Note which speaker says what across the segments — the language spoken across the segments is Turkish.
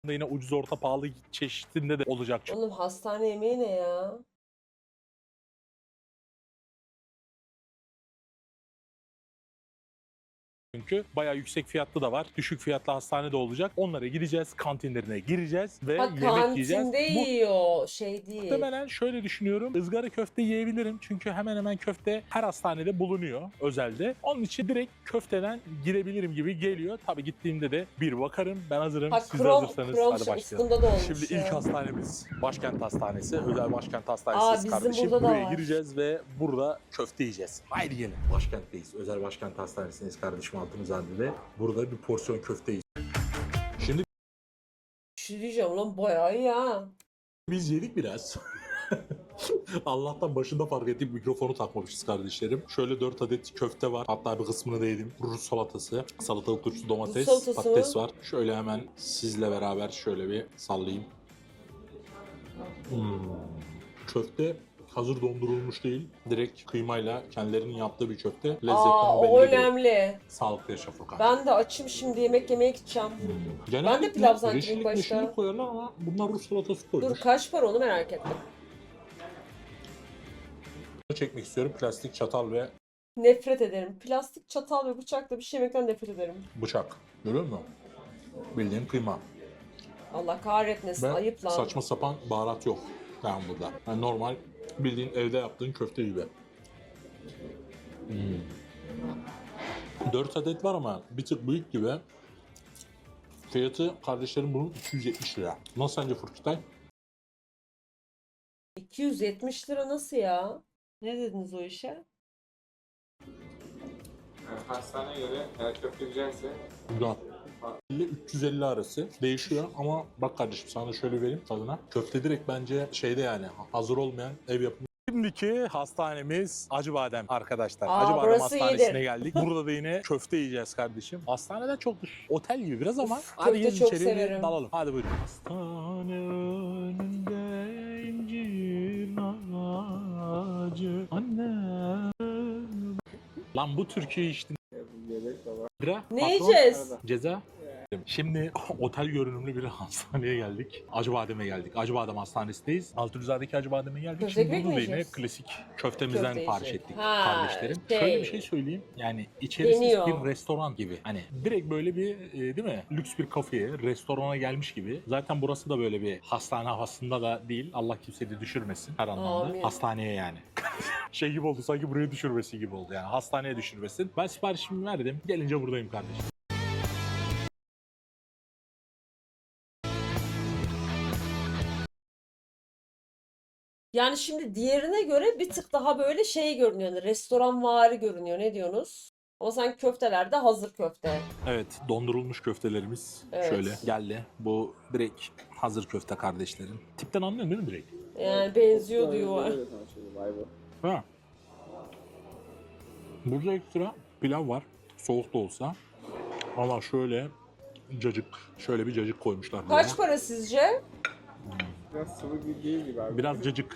Speaker 1: yine ucuz orta pahalı çeşitinde de olacak.
Speaker 2: Oğlum hastane yemeği ne ya?
Speaker 1: Çünkü bayağı yüksek fiyatlı da var. Düşük fiyatlı hastane de olacak. Onlara gideceğiz, kantinlerine gireceğiz ve
Speaker 2: Ha
Speaker 1: yemek yiyeceğiz.
Speaker 2: kantinde
Speaker 1: Bu
Speaker 2: yiyor, şey değil.
Speaker 1: muhtemelen şöyle düşünüyorum. Izgara köfte yiyebilirim. Çünkü hemen hemen köfte her hastanede bulunuyor özelde. Onun için direkt köfteden girebilirim gibi geliyor. Tabii gittiğimde de bir bakarım. Ben hazırım.
Speaker 2: Ha
Speaker 1: Siz de
Speaker 2: krom,
Speaker 1: hazırsanız
Speaker 2: krom
Speaker 1: hadi başlayalım.
Speaker 2: ıskında da olmuş
Speaker 1: Şimdi ilk
Speaker 2: ya.
Speaker 1: hastanemiz Başkent Hastanesi. Özel Başkent
Speaker 2: Aa,
Speaker 1: Hastanesi
Speaker 2: bizim
Speaker 1: kardeşim.
Speaker 2: burada da
Speaker 1: Buraya
Speaker 2: var.
Speaker 1: gireceğiz ve burada köfte yiyeceğiz. Haydi gelin. Başkent'teyiz. Özel Başkent Hastanesi'ndeyiz kardeşim Altınzade'de. Burada bir porsiyon köfte yiyeceğiz. Şimdi
Speaker 2: Bir şey diyeceğim lan bayağı iyi ha.
Speaker 1: biz yedik biraz. Allah'tan başında fark ettik, mikrofonu takmamışız kardeşlerim. Şöyle 4 adet köfte var. Hatta bir kısmını da yedim. Rus salatası, salatalık turşusu, domates,
Speaker 2: salatası
Speaker 1: patates
Speaker 2: mı?
Speaker 1: var. Şöyle hemen sizle beraber şöyle bir sallayayım. Köfte hazır dondurulmuş değil. Direkt kıymayla kendilerinin yaptığı bir köfte. Lezzetten
Speaker 2: Aa
Speaker 1: belli
Speaker 2: o
Speaker 1: değil.
Speaker 2: önemli.
Speaker 1: Sağlıklı yaşa Furkan.
Speaker 2: Ben de açım şimdi yemek yemeye gideceğim.
Speaker 1: Genellikle
Speaker 2: Ben de pilav zannettim ilk
Speaker 1: yeşillik
Speaker 2: başta.
Speaker 1: meşillik koyarlar ama bunlar Rus salatası
Speaker 2: Dur
Speaker 1: koymuş.
Speaker 2: kaç para onu merak ettim.
Speaker 1: Çekmek istiyorum. Plastik çatal ve
Speaker 2: Nefret ederim. Plastik çatal ve bıçakla bir şey yemekten nefret ederim.
Speaker 1: bıçak. Görüyor musun? Bildiğin kıyma.
Speaker 2: Allah kahretmesin
Speaker 1: Ve
Speaker 2: ayıp lan.
Speaker 1: saçma sapan baharat yok yani burada. Yani normal bildiğin evde yaptığın köfte gibi. 4 adet var ama bir tık büyük gibi. Fiyatı kardeşlerim bunun 270 lira. Nasıl sence Furkitay?
Speaker 2: 270 lira nasıl ya? Ne dediniz o işe?
Speaker 3: Yani hastaneye göre eğer köfte güzelse
Speaker 1: Güzel. 50-350 arası değişiyor ama bak kardeşim sana şöyle vereyim tadına. Köfte direkt bence şeyde yani hazır olmayan ev yapımı. Şimdiki hastanemiz Acıbadem arkadaşlar.
Speaker 2: Aa,
Speaker 1: Acıbadem
Speaker 2: burası
Speaker 1: Hastanesi'ne
Speaker 2: iyidir.
Speaker 1: geldik. Burada da yine köfte yiyeceğiz kardeşim. Hastaneden çok otel gibi biraz ama
Speaker 2: Uf,
Speaker 1: hadi
Speaker 2: köfte
Speaker 1: gelin
Speaker 2: çok
Speaker 1: içeriye bir
Speaker 2: severim.
Speaker 1: dalalım. Hadi buyurun. Hastane önünde incir ağacı anne. Lan bu türküyü işte.
Speaker 3: yedek de var.
Speaker 1: Bira,
Speaker 2: Ne
Speaker 1: patron,
Speaker 2: yiyeceğiz?
Speaker 1: ceza. Şimdi otel görünümlü bir hastaneye geldik. Acıbadem'e geldik. Acıbadem Hastanesi'ndeyiz. Altınzade'deki Acıbadem'e geldik.
Speaker 2: Köfte
Speaker 1: Şimdi
Speaker 2: ekmek
Speaker 1: burada
Speaker 2: mi
Speaker 1: da yine
Speaker 2: yiyeceğiz?
Speaker 1: klasik köftemizden
Speaker 2: Köfte
Speaker 1: sipariş
Speaker 2: yiyeceğiz.
Speaker 1: ettik
Speaker 2: Ha,
Speaker 1: kardeşlerim.
Speaker 2: şey.
Speaker 1: Şöyle bir şey söyleyeyim. Yani içerisi
Speaker 2: Deniyor.
Speaker 1: bir restoran gibi. Hani direkt böyle bir değil mi? Lüks bir kafeye, restorana gelmiş gibi. Zaten burası da böyle bir hastane havasında da değil. Allah kimseyi de düşürmesin her anlamda.
Speaker 2: Amin.
Speaker 1: Hastaneye yani. Şey gibi oldu sanki buraya düşürmesi gibi oldu yani. Hastaneye düşürmesin. Ben siparişimi verdim. Gelince buradayım kardeşim.
Speaker 2: Yani şimdi diğerine göre bir tık daha böyle şey görünüyor. Yani restoranvari görünüyor. Ne diyorsunuz? Ama sanki köfteler de hazır köfte.
Speaker 1: Evet, dondurulmuş köftelerimiz
Speaker 2: Evet.
Speaker 1: şöyle geldi. Bu direkt hazır köfte kardeşlerim. Tipten anlıyorsun değil mi direkt?
Speaker 2: Yani benziyor diyor.
Speaker 3: Böyle tanışıyordu, vay be.
Speaker 1: Ha. Burada ekstra pilav var. Soğuk da olsa. Ama şöyle cacık, şöyle bir cacık koymuşlar buraya.
Speaker 2: Kaç para sizce?
Speaker 3: Biraz sıvı gibi değil gibi abi.
Speaker 1: Biraz cacık.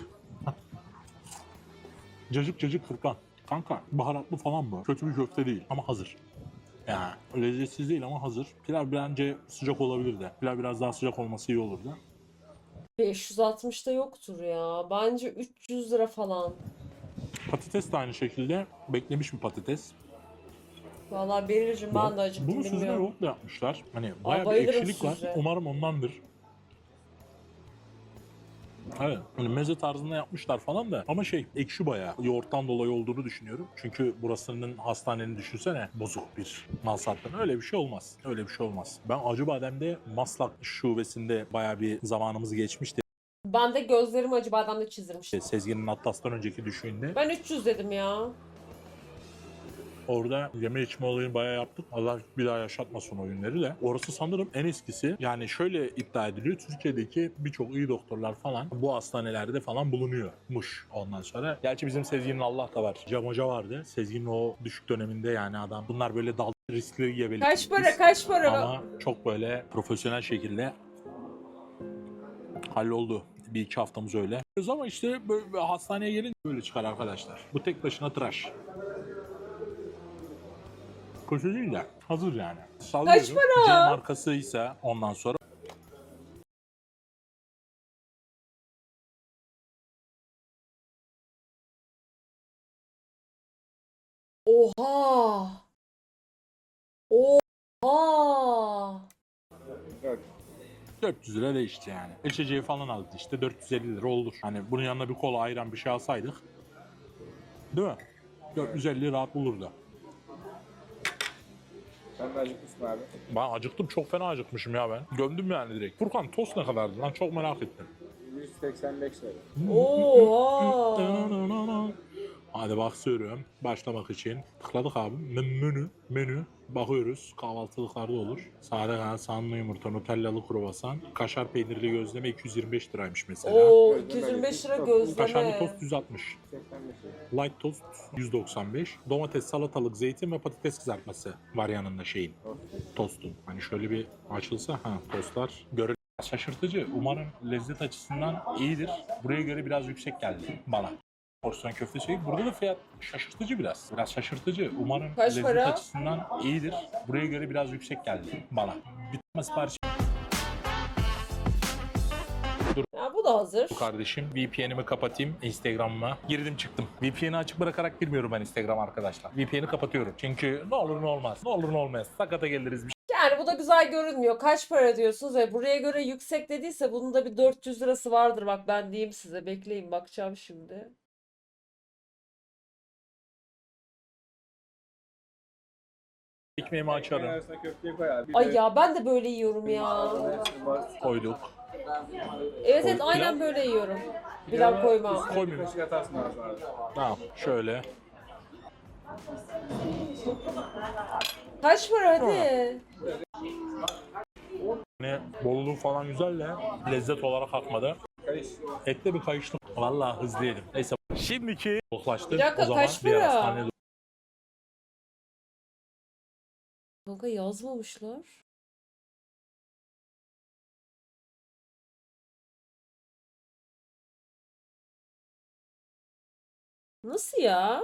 Speaker 1: Cacık cacık Furkan. Kanka baharatlı falan mı? Kötü bir köfte değil ama hazır. Yani lezzetsiz değil ama hazır. Pilav bence sıcak olabilir de. Pilav biraz daha sıcak olması iyi olurdu.
Speaker 2: 560'da yoktur ya. Bence 300 lira falan.
Speaker 1: Patates de aynı şekilde beklemiş bir patates.
Speaker 2: Vallahi Beril'cim ben de acıktım
Speaker 1: Bunu süzme
Speaker 2: bilmiyorum.
Speaker 1: yoğurtla yapmışlar. Hani bayağı bir
Speaker 2: bayılırım
Speaker 1: ekşilik var.
Speaker 2: süzme.
Speaker 1: Umarım ondandır. Evet. Hani meze tarzında yapmışlar falan da ama şey ekşi bayağı. Yoğurttan dolayı olduğunu düşünüyorum. Çünkü burasının hastanenin düşünsene bozuk bir mal sattığını. Öyle bir şey olmaz. Öyle bir şey olmaz. Ben Acıbadem'de Maslak şubesinde bayağı bir zamanımız geçmişti.
Speaker 2: Ben de gözlerimi Acıbadem'de çizdirmiştim.
Speaker 1: Sezgin'in Atlas'tan önceki düşüğünde.
Speaker 2: Ben 300 dedim ya.
Speaker 1: Orada yeme içme olayını bayağı yaptık. Allah bir daha yaşatmasın o günleri de. Orası sanırım en eskisi. Yani şöyle iddia ediliyor. Türkiye'deki birçok iyi doktorlar falan bu hastanelerde falan bulunuyormuş ondan sonra. Gerçi bizim Sezgin'in Allah da var. Cam Hoca vardı. Sezgin'in o düşük döneminde yani adam. Bunlar böyle dal riskleri yiyebilir.
Speaker 2: Kaç para kaç para?
Speaker 1: Ama çok böyle profesyonel şekilde halloldu. Bir iki haftamız öyle. Ama işte böyle hastaneye gelince böyle çıkar arkadaşlar. Bu tek başına tıraş. Kötü değil de hazır yani. Sallıyorum.
Speaker 2: Kaç para?
Speaker 1: C markasıysa ondan sonra
Speaker 2: Oha. Oha.
Speaker 3: Dört.
Speaker 1: 400 lira değişti yani. İçeceği falan aldı işte 450 lira olur. Hani bunun yanına bir kola ayran bir şey alsaydık. Değil mi? 450 rahat bulurdu.
Speaker 3: Sen de acıkmışsın abi.
Speaker 1: Ben acıktım, çok fena acıkmışım ya ben. Gömdüm yani direkt. Furkan tost ne kadardı lan, çok merak ettim.
Speaker 3: 185 lira.
Speaker 2: Oha.
Speaker 1: Hadi bakıyorum başlamak için. Tıkladık abi. Menü. Bakıyoruz. Kahvaltılıklarda olur. Sade kanat, soğanlı yumurta, nutellalı kruvasan, kaşar peynirli gözleme 225 liraymış mesela.
Speaker 2: Oo,
Speaker 3: Gözleme
Speaker 2: 225 lira
Speaker 3: değil,
Speaker 1: Kaşarlı
Speaker 2: gözleme.
Speaker 1: tost 160.
Speaker 3: 85 lira.
Speaker 1: Light tost 195. Domates, salatalık, zeytin ve patates kızartması var yanında şeyin. Tostun. Hani şöyle bir açılsa tostlar görün. Şaşırtıcı. Umarım lezzet açısından iyidir. Buraya göre biraz yüksek geldi bana. Porsiyon köfte şey. Burada da fiyat şaşırtıcı biraz. Biraz şaşırtıcı. Umarım
Speaker 2: Kaç
Speaker 1: lezzet
Speaker 2: para?
Speaker 1: açısından iyidir. Buraya göre biraz yüksek geldi bana. Bir tane sipariş
Speaker 2: Ya bu da hazır.
Speaker 1: kardeşim. VPN'imi kapatayım Instagram'ıma. Girdim çıktım. VPN'i açık bırakarak girmiyorum ben Instagram arkadaşlar. VPN'i kapatıyorum. Çünkü ne olur ne olmaz. Ne olur ne olmaz. Sakata geliriz bir
Speaker 2: Yani bu da güzel görünmüyor. Kaç para diyorsunuz ve buraya göre yüksek dediyse bunun da bir 400 lirası vardır. Bak ben diyeyim size. Bekleyin bakacağım şimdi.
Speaker 1: ekmeğimi
Speaker 3: Ekmeğin
Speaker 1: açarım.
Speaker 3: arasına köfteyi koy abi. Bir
Speaker 2: Ay
Speaker 3: de
Speaker 2: ya ben de böyle yiyorum ya.
Speaker 3: hepsini bas.
Speaker 1: Koyduk.
Speaker 2: Evet evet
Speaker 1: Pilav.
Speaker 2: aynen böyle yiyorum. Pilav koymam.
Speaker 3: Üstüne bir
Speaker 1: Koymuyorum.
Speaker 3: kaşık atarsın ağzına abi.
Speaker 1: Tamam şöyle.
Speaker 2: Kaç para hadi.
Speaker 1: Hani bolluğu falan güzel de lezzet olarak akmadı.
Speaker 3: Karış.
Speaker 1: Ette bir kayıştım. Vallahi hızlı yedim. Neyse şimdiki koklaştık.
Speaker 2: Bir dakika,
Speaker 1: O zaman
Speaker 2: kaç
Speaker 1: diğer
Speaker 2: para?
Speaker 1: hastaneye
Speaker 2: Kanka yazmamışlar. Nasıl ya?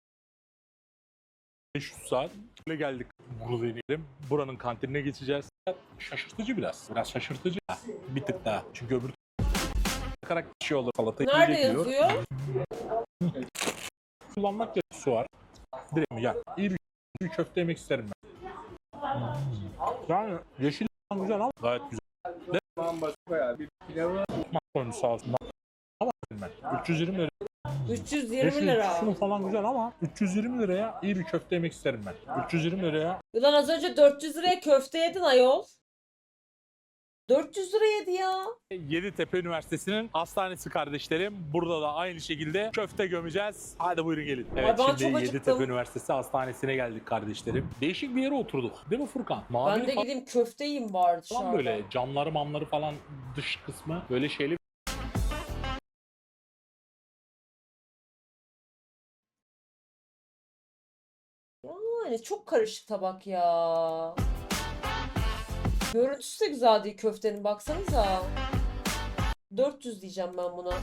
Speaker 1: 500 saat böyle geldik. Burada inelim. Buranın kantinine geçeceğiz. Şaşırtıcı biraz. Biraz şaşırtıcı. Bir tık daha. Çünkü öbür bakarak bir şey olur. Salatayı
Speaker 2: Nerede
Speaker 1: geliyor.
Speaker 2: yazıyor?
Speaker 1: Kullanmak su var. Direkt mi? Ya iyi bir köfte yemek isterim ben. Yani yeşil falan güzel ama gayet güzel.
Speaker 3: Tamam bas koy abi. Bir pilavı
Speaker 1: Koymuş sağ olsun. Ama ben 320 lira.
Speaker 2: 320
Speaker 1: Yeşil
Speaker 2: lira.
Speaker 1: şunu falan güzel ama 320 liraya iyi bir köfte yemek isterim ben. 320 liraya
Speaker 2: Ulan az önce 400 liraya köfte yedin ayol. 400 lira yedi ya.
Speaker 1: Yeditepe Üniversitesi'nin hastanesi kardeşlerim. Burada da aynı şekilde köfte gömeceğiz. Hadi buyurun gelin. Evet
Speaker 2: ben
Speaker 1: şimdi
Speaker 2: çok acıktım.
Speaker 1: Yeditepe Üniversitesi hastanesine geldik kardeşlerim. Değişik bir yere oturduk. Değil mi Furkan? Mavi
Speaker 2: Ben de gideyim köfte yiyeyim bari
Speaker 1: falan
Speaker 2: dışarıda.
Speaker 1: böyle camları mamları falan dış kısmı böyle şeyli.
Speaker 2: Yani çok karışık tabak ya. Görüntüsü de güzel değil köftenin baksanıza. 400 diyeceğim ben buna.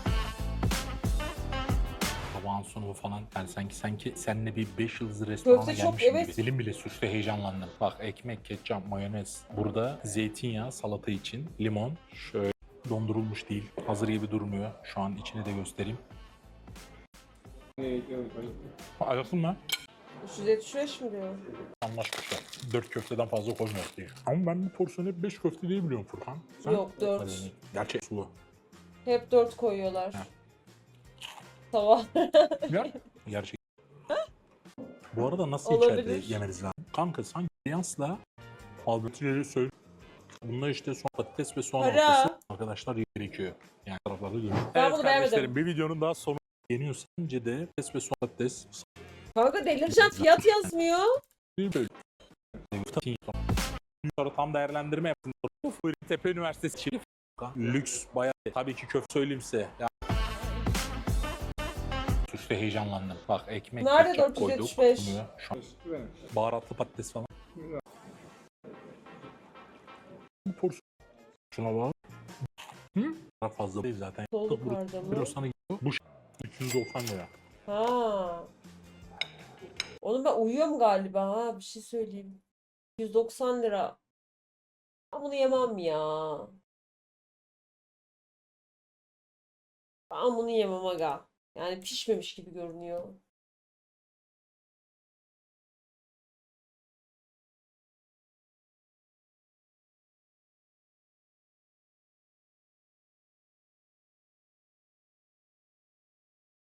Speaker 1: Tabağın sunumu falan yani sanki seninle bir 5 yıldızlı restorana
Speaker 2: Köfte çok,
Speaker 1: gelmişim
Speaker 2: evet.
Speaker 1: gibi. Dilim bile sürçtü, heyecanlandım. Bak ekmek, ketçap, mayonez. Burada zeytinyağı, salata için limon. Şöyle dondurulmuş değil. Hazır gibi durmuyor. Şu an içini de göstereyim. Ayakın mı?
Speaker 2: 375 mi diyor?
Speaker 1: Anlaşmışlar. 4 köfteden fazla koymuyor diye. Ama ben bir porsiyonu hep 5 köfte diye biliyorum Furkan. Sen?
Speaker 2: Yok, 4.
Speaker 1: Gerçek sulu.
Speaker 2: Hep 4 koyuyorlar.
Speaker 1: Ha.
Speaker 2: Sabah.
Speaker 1: Gerçek. Bu arada nasıl
Speaker 2: Olabilir.
Speaker 1: içeride yemeniz lazım? Kanka sanki Beyans'la Albert'ileri söyle. Bunda işte soğan patates ve soğan
Speaker 2: Para.
Speaker 1: ortası arkadaşlar gerekiyor. Yani taraflarda görüyor.
Speaker 2: Ben bunu beğenmedim.
Speaker 1: kardeşlerim bir videonun daha sonu yeniyor. Sence de patates ve soğan patates
Speaker 2: Kanka delireceğim fiyat yazmıyor.
Speaker 1: Sonra tam değerlendirme yaptım. Tepe Üniversitesi için lüks bayağı. Tabii ki köfte söyleyeyim size. Ya. İşte heyecanlandım. Bak ekmek,
Speaker 2: Nerede
Speaker 1: ketçap koyduk.
Speaker 2: 475?
Speaker 1: Bunu şu an baharatlı patates falan. Bu porsiyon. Şuna bak. Daha fazla değil zaten.
Speaker 2: Sol
Speaker 1: Bu
Speaker 2: yukarıda mı?
Speaker 1: biraz sana gidiyor. Bu 390 lira.
Speaker 2: Ha. Oğlum ben uyuyorum galiba ha. Bir şey söyleyeyim. 190 lira. Ben bunu yemem ya. Ben bunu yemem aga. Yani pişmemiş gibi görünüyor.